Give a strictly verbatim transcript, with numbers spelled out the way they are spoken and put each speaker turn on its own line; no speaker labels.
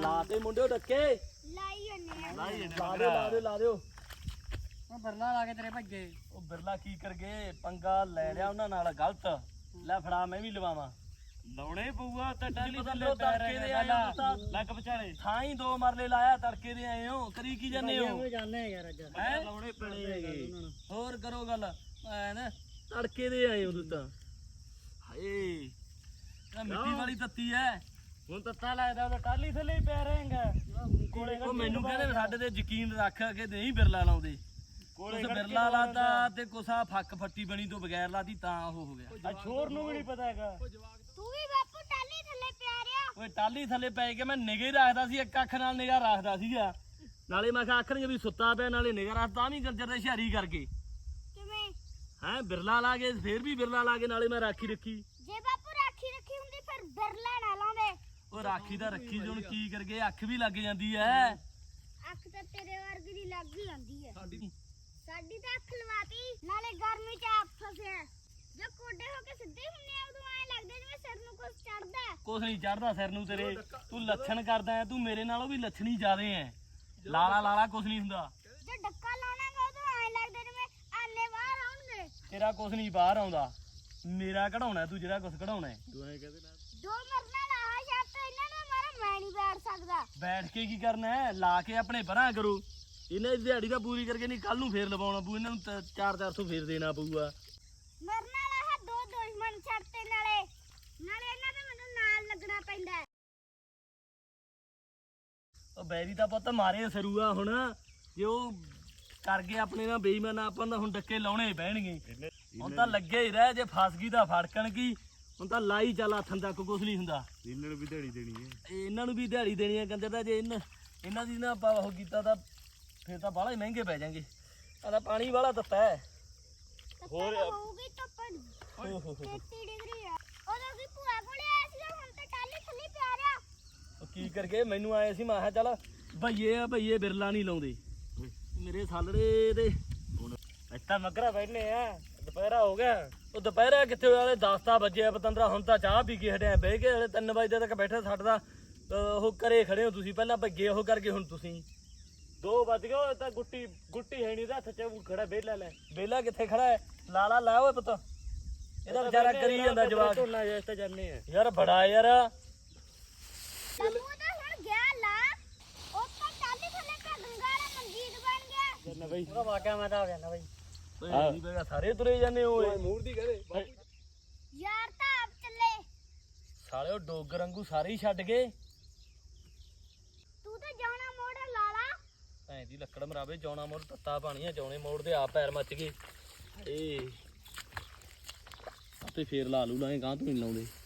ਲਾ ਤੇ ਮੁੰਡਿਓ ਡੱਕੇ
ਲਾਈ ਜੰਨੇ
ਲਾਈ ਲਾ ਦਿਓ ਲਾ ਦਿਓ ਲਾ ਦਿਓ।
ਉਹ ਬਿਰਲਾ ਲਾ ਕੇ ਤੇਰੇ ਭੱਜੇ।
ਉਹ ਬਿਰਲਾ ਕੀ ਕਰ ਗਏ, ਪੰਗਾ ਲੈ ਲਿਆ ਉਹਨਾਂ ਨਾਲ ਗਲਤ। ਲੈ ਫੜਾ ਮੈਂ ਵੀ ਲਵਾਵਾਂ।
ਲਾਉਣੇ ਪਊਗਾ ਤਾਂ ਟਾਲੀ
ਪਤਾ
ਥੱਲੇ
ਲੋ
ਪੈ
ਤੜਕੇ ਦੇ
ਰਹੇ
ਆਏ ਹੋ ਤਾਂ
ਲੱਗ ਵਿਚਾਲੇ
ਥਾਂ ਹੀ ਦੋ ਮਰਲੇ ਲਾਇਆ, ਤੜਕੇ ਦੇ ਆਏ ਹੋ ਕਰੀ ਕੀ ਜਾਂਦੇ ਹੋ
ਜਾਣੇ ਆ ਯਾਰ ਅੱਜ
ਹੈਂ?
ਲਾਉਣੇ ਪੈਣੇ ਹੈਗੇ।
ਹੋਰ ਕਰੋ ਗੱਲ ਐ ਨਾ ਤੜਕੇ ਦੇ ਆਏ ਹੋ ਤੂੰ ਤਾਂ। ਹਾਏ ਇਹ ਮਿੱਟੀ ਵਾਲੀ ਤੱਤੀ ਐ।
ਹੁਣ ਤੱਤਾ ਲੱਗਦਾ ਉਹ ਟਾਲੀ ਥੱਲੇ ਹੀ ਪੈ ਰਹੇਗਾ ਕੋਲੇ।
ਉਹ ਮੈਨੂੰ ਕਹਿੰਦੇ ਸਾਡੇ ਤੇ ਯਕੀਨ ਰੱਖ ਕੇ ਨਹੀਂ ਬਿਰਲਾ ਲਾਉਂਦੇ। ਕੁਛ ਬਿਰਲਾ ਲਾਤਾ ਤੇ ਕੁਛ ਆ ਫੱਕ ਫੱਟੀ ਬਣੀ ਤੋਂ ਬਗੈਰ ਲਾਤੀ ਤਾਂ ਉਹ ਹੋ ਗਿਆ।
ਆ ਛੋਰ ਨੂੰ ਵੀ ਨਹੀਂ ਪਤਾ ਹੈਗਾ।
ਤੂੰ ਵੀ ਬਾਪੂ ਟਾਲੀ ਥੱਲੇ ਪਿਆ ਰਿਆ।
ਓਏ ਟਾਲੀ ਥੱਲੇ ਪੈ ਕੇ ਮੈਂ ਨਿਗਾਹ ਰੱਖਦਾ ਸੀ, ਇੱਕ ਅੱਖ ਨਾਲ ਨਿਗਾਹ ਰੱਖਦਾ ਸੀਗਾ। ਨਾਲੇ ਮੈਂ ਕਿਹਾ ਆਖਣਗੇ ਵੀ ਸੁੱਤਾ ਪਿਆ, ਨਾਲੇ ਨਿਗਾਹ ਰੱਖ ਤਾਂ ਵੀ ਗਰਜਰ ਦੇ ਹੁਸ਼ਿਆਰੀ ਕਰਕੇ।
ਕਿਵੇਂ
ਹੈਂ ਬਿਰਲਾ ਲਾ ਕੇ ਫੇਰ ਵੀ ਬਿਰਲਾ ਲਾ ਕੇ ਨਾਲੇ ਮੈਂ ਰਾਖੀ ਰੱਖੀ।
ਜੇ ਬਾਪੂ ਰਾਖੀ ਰੱਖੀ ਹੁੰਦੀ ਫਿਰ ਬਿਰਲਾ ਨਾ ਲਾਉਂਦੇ।
ਉਹ ਰਾਖੀ ਤਾਂ ਰੱਖੀ ਹੁਣ ਕੀ ਕਰਗੇ, ਅੱਖ ਵੀ ਲੱਗ ਜਾਂਦੀ ਐ।
ਅੱਖ ਤਾਂ ਤੇਰੇ ਵਰਗੀ ਦੀ ਲੱਗ ਹੀ ਜਾਂਦੀ ਹੈ। ਸਾਡੀ ਤਾਂ ਅੱਖ ਲਵਾਤੀ, ਨਾਲੇ ਗਰਮੀ ਚ ਆਪ ਫਸਿਆ। ਜੋ ਕੋਡੇ ਹੋ ਕੇ ਸਿੱਧੇ ਹੁੰਨੇ ਆ ਉਦੋਂ ਐ ਲੱਗਦਾ ਜਿਵੇਂ ਸਿਰ ਨੂੰ ਕੁਝ ਚੜਦਾ।
ਕੁਛ ਨਹੀਂ ਚੜਦਾ ਸਿਰ ਨੂੰ ਤੇਰੇ, ਤੂੰ ਲੱਛਣ ਕਰਦਾ ਐ, ਤੂੰ ਮੇਰੇ ਨਾਲੋਂ ਵੀ ਲੱਛਣੀ ਜ਼ਿਆਦੇ ਐ। ਲਾਲਾ ਲਾਲਾ ਕੁਛ ਨਹੀਂ ਹੁੰਦਾ।
ਜੇ ਡੱਕਾ ਲਾਉਣਾਗਾ ਉਦੋਂ ਐ ਲੱਗਦਾ ਜਿਵੇਂ ਆਨੇ ਬਾਹਰ ਆਉਣਗੇ।
ਤੇਰਾ ਕੁਛ ਨਹੀਂ ਬਾਹਰ ਆਉਂਦਾ, ਮੇਰਾ ਕਢਾਉਣਾ ਤੂੰ ਜਿਹੜਾ ਕੁਛ ਕਢਾਉਣਾ।
ਤੂੰ ਐ ਕਹਦੇ ਨਾ
ਦੋ ਮਰਨਾ ਲਾਹਾ ਸ਼ਰਤ ਇਹਨਾਂ ਨੂੰ ਮਾਰਾ ਮੈਂ ਨਹੀਂ ਬੈਠ ਸਕਦਾ।
ਬੈਠ ਕੇ ਕੀ ਕਰਨਾ ਹੈ, ਲਾ ਕੇ ਆਪਣੇ ਪਰਾਂ ਕਰੋ। ਇਹਨਾਂ ਦੀ ਦਿਹਾੜੀ ਤਾਂ ਪੂਰੀ ਕਰਕੇ ਨਹੀਂ, ਕੱਲ ਨੂੰ ਫੇਰ ਲਵਾਉਣਾ ਪਊ ਇਹਨਾਂ ਨੂੰ। ਚਾਰ ਚਾਰ ਸੌ ਫੇਰ ਦੇਣਾ ਪਊਗਾ।
ਮਰਨਾ ਲਾਹਾ ਦੋ ਦੁਸ਼ਮਣ ਛੱਡਤੇ, ਨਾਲੇ ਨਾਲੇ ਇਹਨਾਂ ਦੇ ਮੈਨੂੰ ਨਾਲ ਲੱਗਣਾ ਪੈਂਦਾ।
ਉਹ ਬੈਰੀ ਦਾ ਪੁੱਤ ਮਾਰੇ ਸਰੂਆ ਹੁਣ, ਜੇ ਉਹ ਕਰ ਗਏ ਆਪਣੇ ਨਾਲ ਬੇਈਮਾਨ ਆਪਾਂ ਤਾਂ ਹੁਣ ਡੱਕੇ ਲਾਉਣੇ ਪੈਣਗੇ। ਹੁਣ ਤਾਂ ਲੱਗੇ ਹੀ ਰਹਿ, ਜੇ ਫਸ ਗਈ ਤਾਂ ਫੜਕਣ ਕੀ। ਹੁਣ ਤਾਂ ਲਾਈ ਚੱਲ ਹੱਥਾਂ ਤੱਕ ਕੁਛ ਨਹੀਂ ਹੁੰਦਾ।
ਇਹਨਾਂ ਨੂੰ ਵੀ ਦਿਹਾੜੀ ਦੇਣੀ ਹੈ।
ਇਹਨਾਂ ਨੂੰ ਵੀ ਦਿਹਾੜੀ ਦੇਣੀ ਹੈ ਕੰਜਰ ਦਾ। ਜੇ ਇਹਨਾਂ ਇਹਨਾਂ ਦੀ ਨਾ ਆਪਾਂ ਉਹ ਕੀਤਾ ਤਾਂ ਫੇਰ ਤਾਂ ਬਾਹਲਾ ਹੀ ਮਹਿੰਗੇ ਪੈ ਜਾਣਗੇ। ਆ ਤਾਂ ਪਾਣੀ ਵਾਲਾ ਤੱਤਾ ਹੈ।
ਹੋਰ ਹੋਊਗੀ ਧੁੱਪ
ਓਹ ਹੋ ਹੋ
ਤੇਤੀ ਡਿਗਰੀ ਆ। ਉਦੋਂ ਵੀ ਭੂਆ ਕੋਲੇ ਆਇਆ ਸੀ, ਹੁਣ ਤਾਂ ਟਾਲੀ ਥੱਲੇ ਪਿਆ ਰਿਆ।
ਉਹ ਕੀ ਕਰਕੇ ਮੈਨੂੰ ਆਏ ਸੀ, ਮੈਂ ਕਿਹਾ ਚੱਲ ਭਈਏ ਆ ਭਈਏ ਬਿਰਲਾ ਨਹੀਂ ਲਾਉਂਦੇ ਮੇਰੇ ਸਾਲੜੇ ਦੇ।
ਇੱਥੇ ਮਗਰਾ ਬੈਠਨੇ ਆ, ਦੁਪਹਿਰਾ ਹੋ ਗਿਆ।
ਉਹ ਦੁਪਹਿਰਾ ਕਿੱਥੇ ਹੋਇਆ, ਦਸ ਤਾਂ ਵਜੇ ਪਤੰਦਰਾ। ਹੁਣ ਤਾਂ ਚਾਹ ਪੀ ਕੇ ਹਟਿਆ, ਬਹਿ ਕੇ ਹਲੇ ਤਿੰਨ ਵਜੇ ਤੱਕ ਬੈਠੇ। ਸਾਡਾ ਉਹ ਘਰੇ ਖੜੇ ਹੋ ਤੁਸੀਂ, ਪਹਿਲਾਂ ਭੱਗੇ ਉਹ ਕਰਕੇ ਹੁਣ ਤੁਸੀਂ।
ਦੋ ਵੱਜ ਗਏ। ਉਹ ਤਾਂ ਗੁੱਟੀ ਗੁੱਟੀ ਹੈ ਨਹੀਂ, ਹੱਥ ਚ ਖੜਾ ਵਿਹਲਾ ਲੈ।
ਵਿਹਲਾ ਕਿੱਥੇ ਖੜਾ ਹੈ, ਲਾਲਾ ਲਾ ਓਏ ਪੁੱਤ। ਇਹਦਾ ਵਿਚਾਰਾ ਕਰੀ ਜਾਂਦਾ ਜਵਾਕ।
ਝੋਨਾ ਜਿਹਾ ਤਾਂ ਜਾਂਦੇ ਆ
ਯਾਰ ਬੜਾ ਯਾਰ।
ਬੱਬੂ ਤਾਂ ਹੁਣ ਗਿਆ ਲਾ, ਉਹ ਤਾਂ ਟਾਲੀ ਥੱਲੇ ਤਾਂ ਗੰਗਾਲਾ ਮਨਜੀਤ ਬਣ ਗਿਆ।
ਜੰਨਾ ਬਈ
ਉਹਦਾ ਵਾਕਿਆ ਮੈਂ ਤਾਂ ਆ ਗਿਆ ਨਾ ਬਾਈ।
ਓਏ ਨਹੀਂ ਬੇਗਾ, ਸਾਰੇ ਤੁਰੇ ਜਾਂਦੇ ਓਏ।
ਮੂਰ ਦੀ ਕਹਦੇ
ਯਾਰ ਤਾਂ ਆਪ ਚੱਲੇ।
ਸਾਲਿਓ ਡੋਗਰ ਵਾਂਗੂ ਸਾਰੇ ਹੀ ਛੱਡ ਗਏ।
ਤੂੰ ਤਾਂ ਜਾਣਾ ਮੋੜ ਲਾਲਾ।
ਐਂ ਦੀ ਲੱਕੜ ਮਰਾਵੇ, ਜੌਣਾ ਮੋੜ ਤੱਤਾ ਪਾਣੀ ਆ, ਜੌਣੇ ਮੋੜ ਦੇ ਆਪ ਪੈਰ ਮੱਚ ਗਏ। ਏ ਆਪੇ ਫੇਰ ਲਾ ਲੂ ਲਾਂਗੇ, ਗਾਂ ਤੂੰ ਨਹੀਂ ਲਾਉਂਦੇ।